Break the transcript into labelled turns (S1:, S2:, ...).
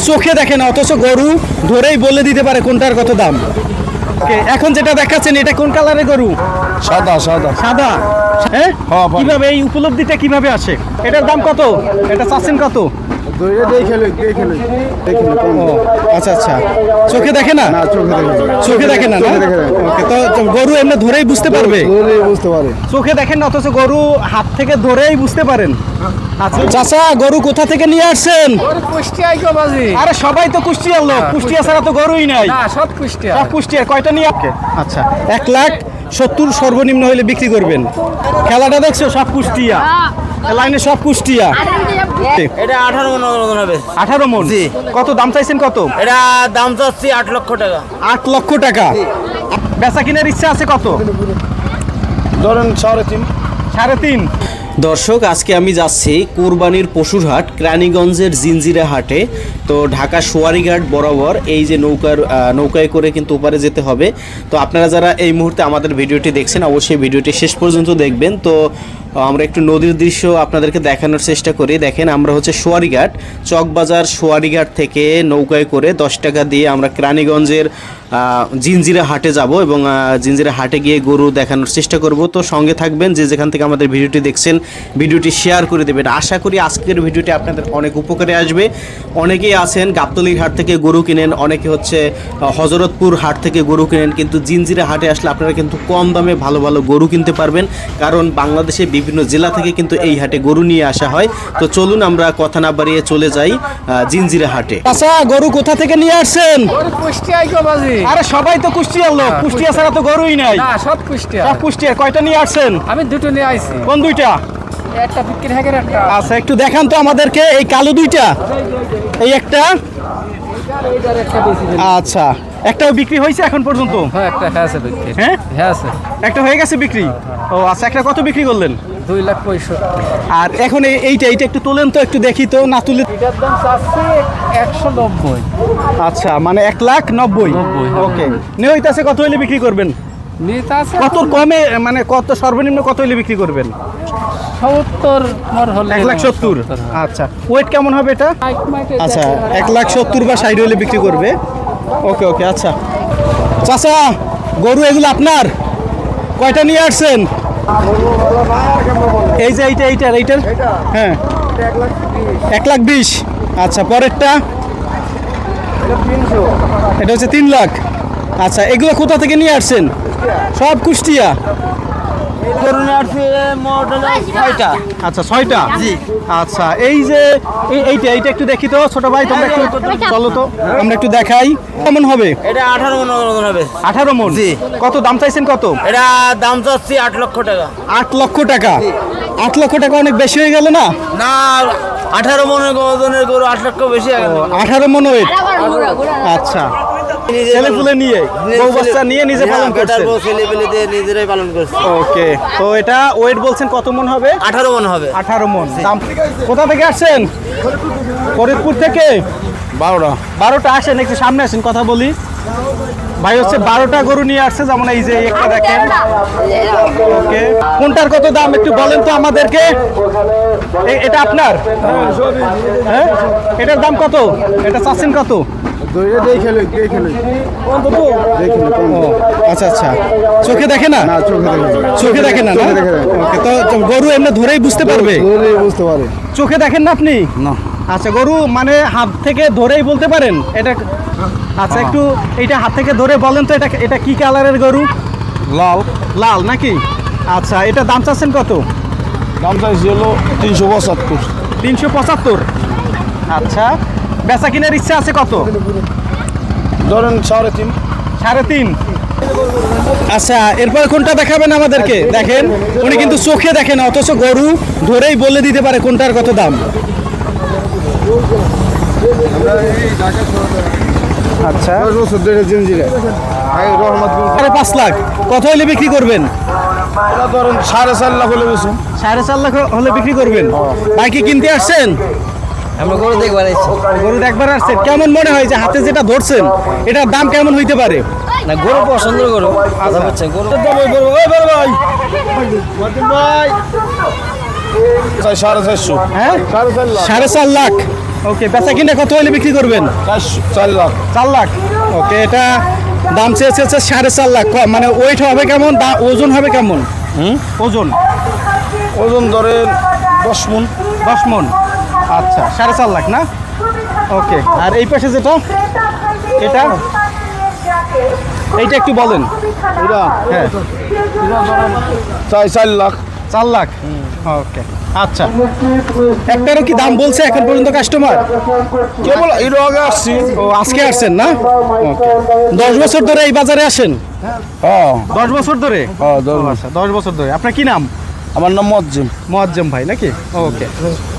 S1: চোখে দেখে না, অথচ গরু ধরেই বলে দিতে পারে কোনটার কত দাম। এখন যেটা দেখাচ্ছেন এটা কোন কালারের গরু?
S2: সাদা সাদা
S1: সাদা। হ্যাঁ,
S2: হ্যাঁ, ভাই।
S1: কিভাবে এই উপলব্ধিটা কিভাবে আসে? এটার দাম কত? এটা চাচ্ছেন কত? আচ্ছা আচ্ছা, চোখে দেখে না, চোখে দেখে না, ওকে। তো গরু এমনি ধরেই বুঝতে পারবে?
S2: বুঝতে পারে।
S1: চোখে দেখেন না, অথচ গরু হাত থেকে ধরেই বুঝতে পারেন। আচ্ছা চাচা, গরু কোথা থেকে নিয়ে আসছেন? আরে সবাই তো কুষ্টিয়ার লোক, কুষ্টিয়া ছাড়া তো গরুই নাই।
S3: সব কুষ্টিয়া।
S1: সব কুষ্টিয়ার। কয়টা নিয়ে? আচ্ছা, 1,70,000 সর্বনিম্ন হলে বিক্রি করবেন। খেলাটা দেখছো? সব কুষ্টিয়া, লাইনে সব কুষ্টিয়া।
S3: এটা 18 মন ওজন হবে।
S1: 18 মন। কত দাম চাইছেন? কত?
S3: এটা দাম চাচ্ছি 8 লক্ষ টাকা।
S1: 8 লক্ষ টাকা। বেচা কিনার ইচ্ছা আছে কত?
S2: ধরেন 3.5।
S1: 3.5। দর্শক, আজকে আমি যাচ্ছি কোরবানির পশুর হাট কেরানীগঞ্জের জিঞ্জিরা হাটে। তো ঢাকা সোয়ারিঘাট বরাবর এই যে নৌকায় করে কিন্তু ওপারে যেতে হবে। তো আপনারা যারা এই মুহূর্তে আমাদের ভিডিওটি দেখছেন অবশ্যই ভিডিওটি শেষ পর্যন্ত দেখবেন। তো আমরা একটু নদীর দৃশ্য আপনাদেরকে দেখানোর চেষ্টা করি। দেখেন, আমরা হচ্ছে সোয়ারিঘাট, চকবাজার সোয়ারিঘাট থেকে নৌকায় করে 10 টাকা দিয়ে আমরা কেরানীগঞ্জের জিঞ্জিরা হাটে যাব এবং জিঞ্জিরা হাটে গিয়ে গরু দেখানোর চেষ্টা করব। তো সঙ্গে থাকবেন, যে যেখান থেকে আমাদের ভিডিওটি দেখছেন ভিডিওটি শেয়ার করে দেবেন। আশা করি আজকের ভিডিওটি আপনাদের অনেক উপকারে আসবে। অনেকেই আছেন গাবতলীর হাট থেকে গরু কিনেন, অনেকে হচ্ছে হজরতপুর হাট থেকে গরু কিনেন, কিন্তু জিঞ্জিরা হাটে আসলে আপনারা কিন্তু কম দামে ভালো ভালো গরু কিনতে পারবেন, কারণ বাংলাদেশে বিভিন্ন জেলা থেকে কিন্তু এই হাটে গরু নিয়ে আসা হয়। তো চলুন আমরা কথা না বাড়িয়ে চলে যাই জিঞ্জিরা হাটে। আচ্ছা, গরু কোথা থেকে নিয়ে আসছেন? আরে সবাই তো কুষ্টিয়ার লোক, কুষ্টিয়া ছাড়া তো গরুই নাই।
S3: সব কুষ্টিয়া।
S1: সব কুষ্টিয়ার। কয়টা নিয়ে আসছেন?
S3: আমি দুটো নিয়ে আইছি।
S1: কোন দুইটা?
S3: একটা বিক্রি হয়ে গেল একটা।
S1: আচ্ছা, একটু দেখান তো আমাদেরকে। এই কালো দুইটা, এই একটা।
S3: এইটার একটা বেশি দিন।
S1: আচ্ছা, একটাও বিক্রি হয়েছে এখন পর্যন্ত?
S3: হ্যাঁ, একটা আছে বিক্রি।
S1: হ্যাঁ
S3: আছে।
S1: একটা হয়ে গেছে বিক্রি। ও আচ্ছা, একটা কত বিক্রি করলেন?
S3: 2,65,000।
S1: আর এখন এইটা একটু তোলেন তো, একটু দেখি তো। না তুলে
S3: এটার দাম চাচ্ছি 190।
S1: আচ্ছা, মানে 1,90,000। ওকে, নিয়ে হইতাছে কত হইলে বিক্রি করবেন?
S3: নিতে আছে
S1: কত কমে, মানে কত সর্বনিম্ন কত হইলে বিক্রি করবেন?
S3: 70 মর হলে।
S1: 1,70,000। আচ্ছা, ওয়েট কেমন হবে এটা? আচ্ছা, 1,70,000 বা 60 হলে বিক্রি করবে। ওকে ওকে। আচ্ছা চাচা, গরু এগুলো আপনার? কয়টা নিয়ে আসছেন? এই যে এইটার। হ্যাঁ, 1,20,000। আচ্ছা, পরেরটা? এটা হচ্ছে 3 লাখ। আচ্ছা, এগুলো কোথা থেকে নিয়ে আসছেন? সব কুষ্টিয়া। আচ্ছা, 6টা। আচ্ছা, এই যে এইটা একটু দেখি তো ছোট ভাই, তোমরা একটু চলো তো, আমরা একটু দেখাই। কেমন হবে?
S3: এটা 18 মন ওজন হবে।
S1: 18 মন। কত দাম চাইছেন? কত?
S3: এটা দাম চাচ্ছি 8 লক্ষ টাকা।
S1: 8 লক্ষ টাকা। 8 লক্ষ টাকা অনেক বেশি হয়ে গেল না?
S3: না, 18 মনের ওজনের গরু 8 লক্ষ বেশি হয়ে গেল।
S1: 18 মন ওয়েট। আচ্ছা, ছেলে পুলে নিয়ে, বউ বাচ্চা নিয়ে নিজে পালন করছেন?
S3: ছেলে পেলে দিয়ে নিজেরাই পালন করছে।
S1: ওকে, তো এটা ওয়েট বলছেন কত মন হবে?
S3: 18 মন হবে।
S1: 18 মন। দাম কোথা থেকে আসছেন? ফরিদপুর থেকে। 12টা আসেন, একটু সামনে আসেন, কথা বলি। ভাই হচ্ছে 12টা গরু নিয়ে আসছে, যেমন এই যে একটা দেখেন। ওকে, কোনটার কত দাম একটু বলেন তো আমাদেরকে। এটা আপনার? হ্যাঁ, এটার দাম কত? এটা চাচ্ছেন কত? আচ্ছা আচ্ছা, চোখে দেখে না, চোখে দেখে না। ওকে, তো গরু এমনি ধরেই বুঝতে পারবে?
S2: বুঝতে পারে।
S1: চোখে দেখেন না আপনি?
S2: না।
S1: আচ্ছা, গরু মানে হাত থেকে ধরেই বলতে পারেন এটা? আচ্ছা, একটু এইটা হাত থেকে ধরে বলেন তো, এটা কি কালারের গরু?
S2: লাল।
S1: লাল নাকি? আচ্ছা, এটা দাম চাচ্ছেন কত?
S2: দাম চাইছি হলো 375।
S1: 375। আচ্ছা, বেচা কিনার ইচ্ছা আছে কত?
S2: ধরেন 3.5।
S1: 3.5। আচ্ছা, এরপর কোনটা দেখাবেন আমাদেরকে? দেখেন, উনি কিন্তু চোখে দেখে না, অথচ গরু ধরেই বলে দিতে পারে কোনটার কত দাম। আচ্ছা, 5 লাখ। কত হলে বিক্রি করবেন?
S2: ধরেন 4.5 লাখ হলে বেশি।
S1: 4.5 লাখ হলে বিক্রি করবেন। ভাই কি কিনতে আসছেন?
S3: আমরা গরু দেখবার আইছি।
S1: গরু দেখবার আসছেন। কেমন মনে হয় যে হাতে যেটা ধরছেন এটার দাম কেমন হইতে পারে?
S3: না, গরু পছন্দ গরু। আচ্ছা বুঝছেন, গরু
S2: ভাই 4.5।
S1: হ্যাঁ, 4.5 লাখ। ওকে, বেচা কিনে কত হলে বিক্রি করবেন?
S2: 4 লাখ।
S1: 4 লাখ। ওকে, এটা দাম চেয়েছে হচ্ছে 4.5 লাখ। মানে ওয়েট হবে কেমন, ওজন হবে কেমন? ওজন
S2: ওজন ধরেন 10 মণ।
S1: 10 মণ। আচ্ছা, 4.5 লাখ না? ওকে, আর এই পাশে যেটা, এটা এইটা একটু বলেন।
S2: এটা
S1: হ্যাঁ,
S2: এটা ধরেন 4 লাখ।
S1: 4 লাখ। ওকে, আচ্ছা, একটারও কি দাম বলছে এখন পর্যন্ত কাস্টমার?
S2: কেবল এর আগে আসছি।
S1: ও, আজকে আসছেন না? ওকে, 10 বছর ধরে এই বাজারে আসেন?
S2: হ্যাঁ
S1: 10 বছর ধরে?
S2: হ্যাঁ, 10
S1: আচ্ছা, 10 বছর ধরে। আপনার কি নাম?
S2: আমার নাম মজ্জিম।
S1: মোয়াজ্জেম ভাই নাকি? ওকে,